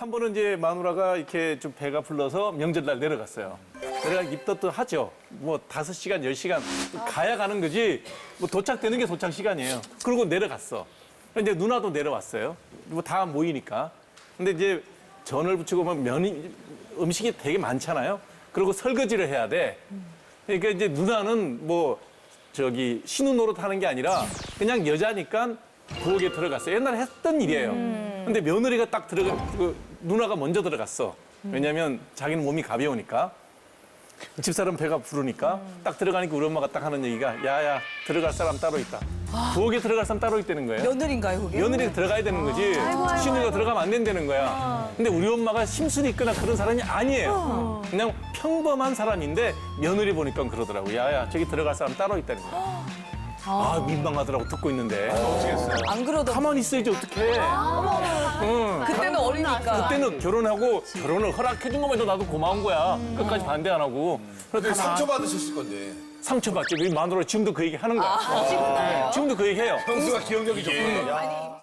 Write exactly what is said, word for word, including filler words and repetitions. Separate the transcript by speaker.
Speaker 1: 한 번은 이제 마누라가 이렇게 좀 배가 불러서 명절날 내려갔어요. 내가 입덧도 하죠. 뭐 다섯 시간, 열 시간 가야 가는 거지. 뭐 도착되는 게 도착 시간이에요. 그리고 내려갔어. 이제 누나도 내려왔어요. 뭐 다 모이니까. 근데 이제 전을 부치고 막 면이 음식이 되게 많잖아요. 그리고 설거지를 해야 돼. 그러니까 이제 누나는 뭐 저기 신우 노릇하는 게 아니라 그냥 여자니까 부엌에 들어갔어요. 옛날에 했던 일이에요. 근데 며느리가 딱 들어가, 그 누나가 먼저 들어갔어. 왜냐면 자기는 몸이 가벼우니까. 집사람 배가 부르니까 딱 들어가니까 우리 엄마가 딱 하는 얘기가 야야 들어갈 사람 따로 있다. 부엌에 들어갈 사람 따로 있다는 거예요.
Speaker 2: 며느리인가요, 그게?
Speaker 1: 며느리가 들어가야 되는 거지. 신우가 들어가면 안 된다는 거야. 근데 우리 엄마가 심술이 있거나 그런 사람이 아니에요. 그냥 평범한 사람인데 며느리 보니까 그러더라고. 야야 저기 들어갈 사람 따로 있다는 거야. 아 민망하더라고 듣고 있는데.
Speaker 2: 안 그러던.
Speaker 1: 가만히 있어야지 어떡해. 응.
Speaker 2: 그때는 어리니까.
Speaker 1: 그때는 결혼하고 결혼을 허락해준 것만 해도 나도 고마운 거야. 끝까지 반대 안 하고. 그래도
Speaker 3: 상처받으셨을 건데.
Speaker 1: 상처받지. 우리 마누라 지금도 그 얘기 하는 거야. 네, 지금도 그 얘기 해요.
Speaker 3: 형수가 기억력이 좋군요.